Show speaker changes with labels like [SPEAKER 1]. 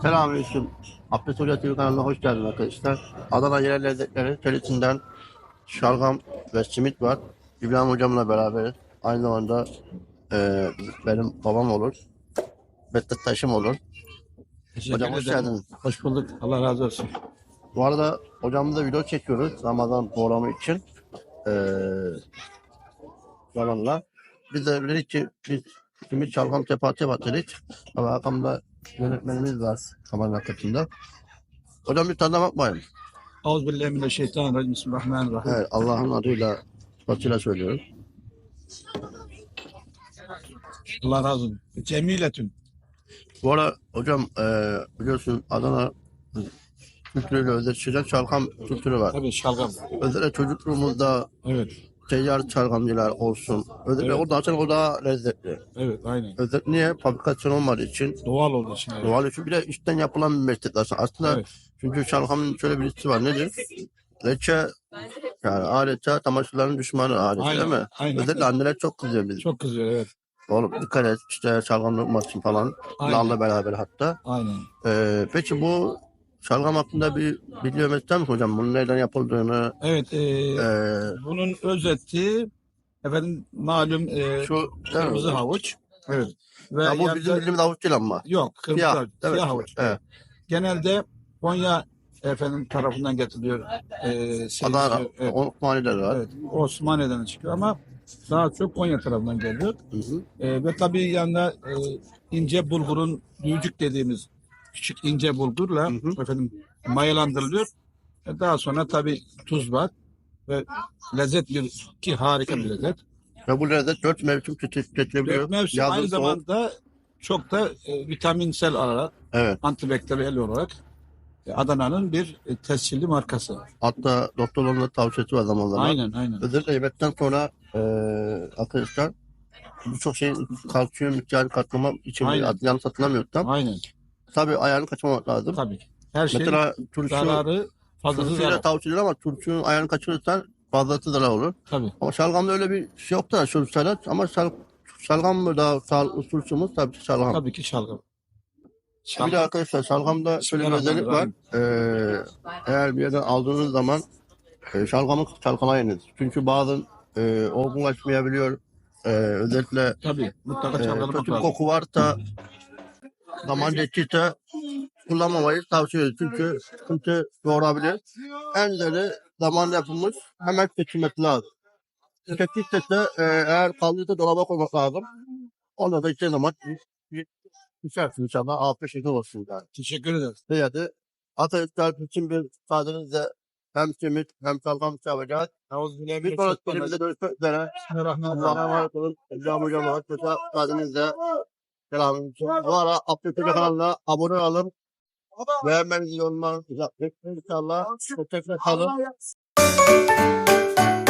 [SPEAKER 1] Selamünaleyküm. Abdest Hoca TV kanalına hoş geldiniz arkadaşlar. Adana yerel lezzetleri serisinden şalgam ve simit var. İbrahim hocamla beraberiz. Aynı zamanda benim babam olur. Meslektaşım olur.
[SPEAKER 2] Teşekkür
[SPEAKER 1] Hocam hoş
[SPEAKER 2] ederim.
[SPEAKER 1] geldiniz.
[SPEAKER 2] Hoş bulduk. Allah razı olsun.
[SPEAKER 1] Bu arada hocamızla video çekiyoruz Ramazan programı için. E, zamanla. Biz de dedik ki biz simit şalgam tepati dedik. Ama arkamda yönetmenimiz var kameranın arkasında. Hocam bir tadına bakmayın.
[SPEAKER 2] Euzubillahimineşşeytanirracim. Bismillahirrahmanirrahim.
[SPEAKER 1] Evet, Allah'ın adıyla sıfatıyla söylüyorum.
[SPEAKER 2] Allah razı olsun. Cemiletün.
[SPEAKER 1] Bu ara hocam biliyorsun Adana kültürüyle özdeşleşen çalkam kültürü var.
[SPEAKER 2] Tabii şalgam.
[SPEAKER 1] Özellikle çocukluğumuzda
[SPEAKER 2] Evet.
[SPEAKER 1] seyyar çalgamcılar olsun. Özellikle
[SPEAKER 2] Evet.
[SPEAKER 1] o daha çok o daha lezzetli.
[SPEAKER 2] Evet aynen.
[SPEAKER 1] Özellikle niye? Fabrikasyon olmadığı için,
[SPEAKER 2] Doğal olduğu için. Evet.
[SPEAKER 1] doğal için bir de içten yapılan bir meslek aslında.
[SPEAKER 2] Evet.
[SPEAKER 1] Çünkü çalgamın şöyle bir hissi var. Nedir? Leçe yani adeta çamaşırların düşmanı adeta
[SPEAKER 2] Aynen,
[SPEAKER 1] değil mi?
[SPEAKER 2] aynen.
[SPEAKER 1] Özellikle anneler çok kızıyor bize.
[SPEAKER 2] Çok kızıyor evet.
[SPEAKER 1] Oğlum dikkat et işte şalgam lokmasın falan.
[SPEAKER 2] Aynen.
[SPEAKER 1] Narla beraber hatta.
[SPEAKER 2] Aynen.
[SPEAKER 1] Peki bu şalgam hakkında bir biliyor musun hocam? Bunun nereden yapıldığını
[SPEAKER 2] Evet.
[SPEAKER 1] ee,
[SPEAKER 2] Bunun özeti efendim malum
[SPEAKER 1] şu değil
[SPEAKER 2] kırmızı
[SPEAKER 1] mi?
[SPEAKER 2] havuç. Evet. Ve
[SPEAKER 1] Ya bu
[SPEAKER 2] yanında-
[SPEAKER 1] bizim bildiğimiz avuç değil ama.
[SPEAKER 2] yok kırmızı
[SPEAKER 1] Siyah.
[SPEAKER 2] havuç.
[SPEAKER 1] Evet.
[SPEAKER 2] Siyah havuç.
[SPEAKER 1] Evet.
[SPEAKER 2] Genelde Konya efendim tarafından getiriliyor.
[SPEAKER 1] Adana,
[SPEAKER 2] Evet.
[SPEAKER 1] Osmani'de var.
[SPEAKER 2] Evet, Osmaniye'den çıkıyor ama daha çok Konya tarafından geliyor.
[SPEAKER 1] Hı hı.
[SPEAKER 2] Ve tabii yanında ince bulgurun büyücük dediğimiz küçük ince bulgurla
[SPEAKER 1] Hı hı.
[SPEAKER 2] efendim mayalandırılıyor. Daha sonra tabii tuz var ve lezzet ki harika bir lezzet.
[SPEAKER 1] Ve bu lezzet 4 mevsim tüketilebiliyor.
[SPEAKER 2] Dört mevsim
[SPEAKER 1] Yazın
[SPEAKER 2] aynı
[SPEAKER 1] soğuk.
[SPEAKER 2] zamanda çok da vitaminsel olarak,
[SPEAKER 1] Evet.
[SPEAKER 2] antibakteriyel olarak Adana'nın bir tescilli markası.
[SPEAKER 1] Hatta doktorların da tavsiyesi var zaman zaman.
[SPEAKER 2] Aynen aynen.
[SPEAKER 1] Özellikle yemekten sonra arkadaşlar birçok şeyin kalsiyum miktarı katlamak için
[SPEAKER 2] Aynen.
[SPEAKER 1] yanlış hatırlamıyorum tam.
[SPEAKER 2] Aynen.
[SPEAKER 1] Tabii ayarını kaçırmamak lazım.
[SPEAKER 2] Tabii. Her şeyin
[SPEAKER 1] Mesela turşu
[SPEAKER 2] zararı fazlası
[SPEAKER 1] turşuyla
[SPEAKER 2] zarar.
[SPEAKER 1] tavsiye edilir ama turşunun ayarını kaçırırsan fazlası zarar olur.
[SPEAKER 2] Tabii.
[SPEAKER 1] Ama şalgamda öyle bir şey yok da şu salat ama şalgam mı daha sağlıklı turşumuz tabii ki şalgam.
[SPEAKER 2] Tabii ki şalgam.
[SPEAKER 1] Bir de arkadaşlar şalgamda şöyle bir özellik var. Eğer bir yerden aldığınız zaman şalgamı çalkalayınız. Çünkü bazen olgunlaşmayabiliyor. Özellikle
[SPEAKER 2] Tabii. Mutlaka çalkalamak
[SPEAKER 1] kötü bir
[SPEAKER 2] lazım.
[SPEAKER 1] koku varsa zaman geçtiyse kullanmamayı tavsiye ediyoruz. Çünkü sıkıntı doğurabilir. En güzeli zaman yapılmış hemen seçilmesi lazım. Tükettiyse de eğer kaldıysa dolaba koymak lazım. Onda da içtiği zaman düşersin inşallah. Afiyet şeker olsun yani.
[SPEAKER 2] Teşekkür ederiz.
[SPEAKER 1] Hadi. Atatürk için bir müsaadenizle hem simit hem şalgam yapacağız. Bir sonraki bölümde görüşmek üzere. Allah'a
[SPEAKER 2] Bismillahirrahmanirrahim.
[SPEAKER 1] emanet olun. İbrahim Hocam'la hoşçakalın. Müsaadenizle selamünaleyküm. Bu ara Abdülkadir kanalına abone olun. Beğenmenizi yorumlarınızı yapın. İnşallah. Hoşçakalın.